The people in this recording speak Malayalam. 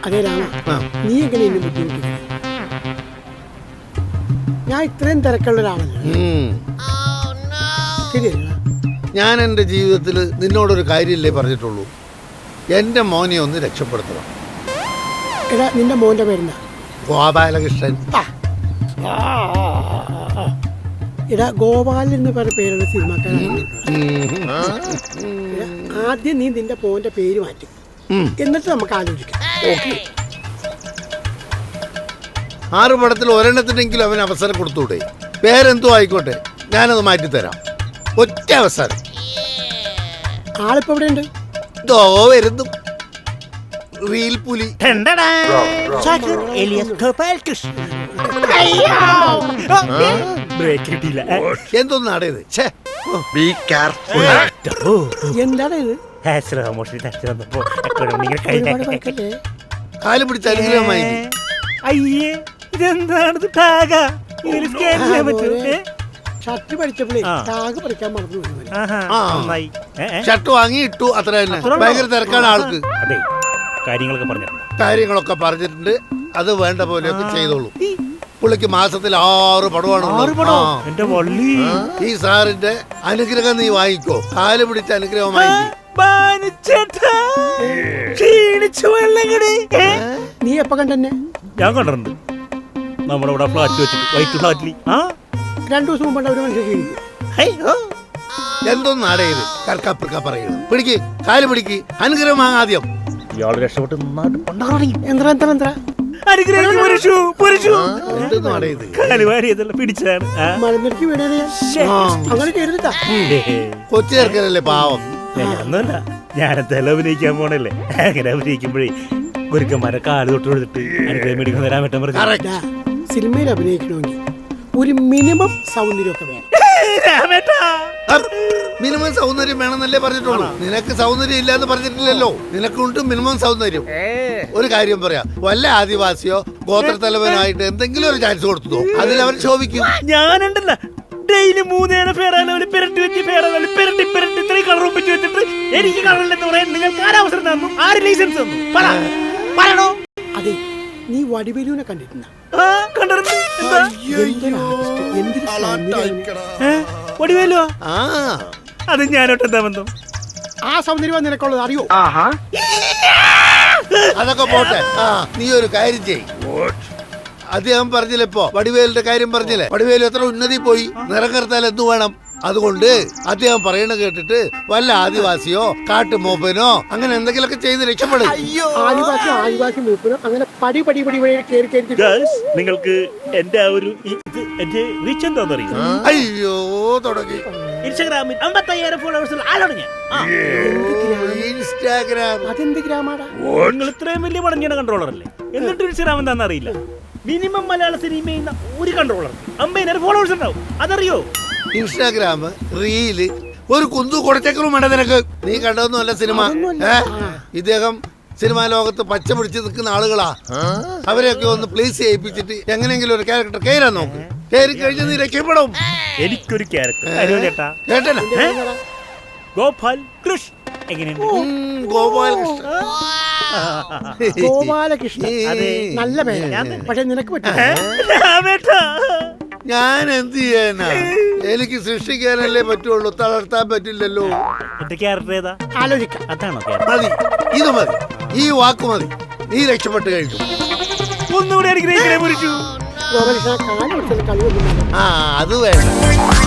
അതെ രാമ, നീ എങ്ങനെ എന്നെ ബുദ്ധിമുട്ടിക്കുന്നു? ഞാൻ ഇത്രയും തിരക്കുള്ള ഒരാളല്ല. ശരിയല്ല, ഞാൻ എൻ്റെ ജീവിതത്തിൽ നിന്നോടൊരു കാര്യമില്ലേ പറഞ്ഞിട്ടുള്ളൂ, എൻ്റെ മോനെ ഒന്ന് രക്ഷപ്പെടുത്തണം. എടാ, നിന്റെ മോന്റെ പേരെന്താ? ഗോപാലകൃഷ്ണൻ. എടാ, ഗോപാലൻ എന്ന് പറഞ്ഞ പേരുള്ള സിനിമാക്കാരാണ്. ആദ്യം നീ നിന്റെ മോന്റെ പേര് മാറ്റും, എന്നിട്ട് നമുക്ക് ആലോചിക്കാം. ഓക്കെ. 6 പടത്തിൽ ഒരെണ്ണത്തിനെങ്കിലും അവന് അവസരം കൊടുത്തൂടെ? പേരെന്തോ ആയിക്കോട്ടെ, ഞാനത് മാറ്റിത്തരാം. ഒറ്റ അവസരം. ആളിപ്പോ ഇവിടെ ഉണ്ട്. ദോ വരുന്നു റീൽ പുലി. എന്തൊന്നാടേ ഇത്? എന്താണ് ഇത്? കാല് പിടിച്ച അനുഗ്രഹമായി. അയ്യേ, ഇതെന്താണ്? ഷർട്ട് പഠിച്ചപ്പോഴേ ടാഗ് പഠിക്കാൻ മറന്നു. ഷർട്ട് വാങ്ങി ഇട്ടു, അത്ര തന്നെ. ഭയങ്കര തിരക്കാണ് ആൾക്ക്. അതെ, കാര്യങ്ങളൊക്കെ പറഞ്ഞിട്ടുണ്ട്. അത് വേണ്ട പോലെയൊക്കെ ചെയ്തോളൂ. പുള്ളിക്ക് മാസത്തിൽ 6 പടമാണ്. ഈ സാറിന്റെ അനുഗ്രഹം നീ വാങ്ങിക്കോ. കാല് പിടിച്ച അനുഗ്രഹം വാങ്ങിക്കോ. നീ എപ്പോ കണ്ടെന്നെ? ഞാൻ കണ്ടിട്ടുണ്ട്. നമ്മുടെ ഇവിടെ ഫ്ലാറ്റ് വെച്ചിട്ട്, വൈറ്റ് ഫ്ലാറ്റിൽ 2 ദിവസം മുമ്പ് ഒരു മനുഷ്യൻ ക്ഷീണിക്കും. എന്തൊന്നാടേ ഇത്? കർക്കപ്പുറക്ക പറയുന്നു. പിടിക്ക്, കാല് പിടിക്ക്, അനുഗ്രഹം വാങ്ങാദ്യം. ഇയാള് രക്ഷപ്പെട്ട് പിടിച്ചതാണ്. കൊച്ചു ചേർക്കലല്ലേ പാവം. ഒന്നുമല്ല, ഞാനെന്തായാലും അഭിനയിക്കാൻ പോണല്ലേ. അങ്ങനെ അഭിനയിക്കുമ്പോഴേ ഗുരുക്കന്മാരെ കാല് തൊട്ട് കൊടുത്തിട്ട് അനുഗ്രഹം മേടിക്കാൻ തരാൻ പറ്റാൻ പറഞ്ഞു. സിനിമയിൽ അഭിനയിക്കണമെങ്കിൽ ഒരു മിനിമം സൗന്ദര്യമൊക്കെ വേണം. മിനിമം സൗന്ദര്യം വേണമെന്നല്ലേ പറഞ്ഞിട്ടുള്ളൂ. നിനക്ക് സൗന്ദര്യം ഇല്ലാന്ന് പറഞ്ഞിട്ടില്ലല്ലോ. നിനക്കുണ്ട് മിനിമം സൗന്ദര്യം. ഒരു കാര്യം പറയാം, വല്ല ആദിവാസിയോ ഗോത്രത്തലവനായിട്ട് എന്തെങ്കിലും ഒരു ചാൻസ് കൊടുത്തോ, അതിലവൻ ശോഭിക്കും. ഞാനുണ്ടല്ല, ഡെയിലി 3 ഫേറാലവല് പെരട്ടി വെച്ച് ഫേറാലവല് പെരട്ടി ഇത്രയും കളർ ഒപ്പിച്ച് വെച്ചിട്ട് എനിക്ക് കളറില്ലെന്ന് പറയാൻ നിങ്ങൾക്ക് ആരവസരം തന്നു? ആര് ലൈസൻസ് തന്നു? പറയണോ? അതെ, നീ വടിവേലുവിനെ കണ്ടിട്ടുണ്ടോ? വടിവേലോ? അത് ഞാനോട്ടെന്താ ബന്ധം? ആ സൗന്ദര്യം നിനക്കുള്ളത് അറിയോ? അതൊക്കെ പോട്ടെ. നീ ഒരു കാര്യം ചെയ്. അദ്ദേഹം പറഞ്ഞില്ലേ ഇപ്പൊ, വടിവേലിന്റെ കാര്യം പറഞ്ഞില്ലേ? വടിവേലു എത്ര ഉന്നതി പോയി. നിറം കറുത്താൽ എന്തു വേണം? അതുകൊണ്ട് അദ്ദേഹം പറയണ കേട്ടിട്ട് വല്ല ആദിവാസിയോ കാട്ടുമൂപ്പനോ അങ്ങനെ എന്തെങ്കിലുമൊക്കെ ചെയ്ത് രക്ഷപ്പെടും. ആദിവാസി മൂപ്പനോ അങ്ങനെ പടി നിങ്ങൾക്ക് എന്റെ ആ ഒരു റീച്ച് എന്താണെന്നറിയോ? അയ്യോ, തുടങ്ങി. ഇൻസ്റ്റാഗ്രാമിൽ 55,000 ഫോളോവേഴ്സുള്ള ആളാണ് ഞാൻ. ഇൻസ്റ്റാഗ്രാം അതെന്ത് ഗ്രാമാടാ? നിങ്ങൾ ഇത്രയും വലിയ പടഞ്ഞ കൺട്രോളർ അല്ലേ? എന്നിട്ട് ഇൻസ്റ്റാഗ്രാം എന്താണെന്ന് അറിയില്ല. മിനിമം മലയാള സിനിമ ചെയ്യുന്ന ഒരു കൺട്രോളർ 50,000 ഫോളോവേഴ്സ് ഉണ്ടാവും. അതറിയോ? ഇൻസ്റ്റാഗ്രാം റീല് ഒരു കുന്തു കൊടുത്തേക്കറും വേണ്ട നിനക്ക്. നീ കണ്ടതൊന്നുമല്ല സിനിമ. ഇദ്ദേഹം സിനിമാ ലോകത്ത് പച്ച പിടിച്ച് നിൽക്കുന്ന ആളുകളാ. അവരെയൊക്കെ ഒന്ന് പ്ലേസ് ചെയ്യിപ്പിച്ചിട്ട് എങ്ങനെയെങ്കിലും ഒരു ക്യാരക്ടർ കയറാൻ നോക്ക്. കയറി കഴിഞ്ഞ് നീ രക്ഷപ്പെടും. എനിക്കൊരു ക്യാരക്ടർ കേട്ടല്ലോ, ഗോപാൽ കൃഷ്ണ. എങ്ങനെയുണ്ട്? ഗോപാലകൃഷ്ണൻ നല്ല പേര്, പക്ഷെ നിനക്ക് പറ്റില്ല. ഞാൻ എന്ത് ചെയ്യാനാ? എനിക്ക് സൃഷ്ടിക്കാനല്ലേ പറ്റുള്ളൂ, തളർത്താൻ പറ്റില്ലല്ലോ. എന്റെ ക്യാരക്ടർ ഏതാ? ആലോചിക്കാം. അതാണോ? മതി, ഇത് മതി, ഈ വാക്ക് മതി. നീ രക്ഷപ്പെട്ട് കഴിഞ്ഞു. ഒന്നുകൂടെ എനിക്ക് ഗോപാലകൃഷ്ണൻ കാലം അത് വേണ്ട.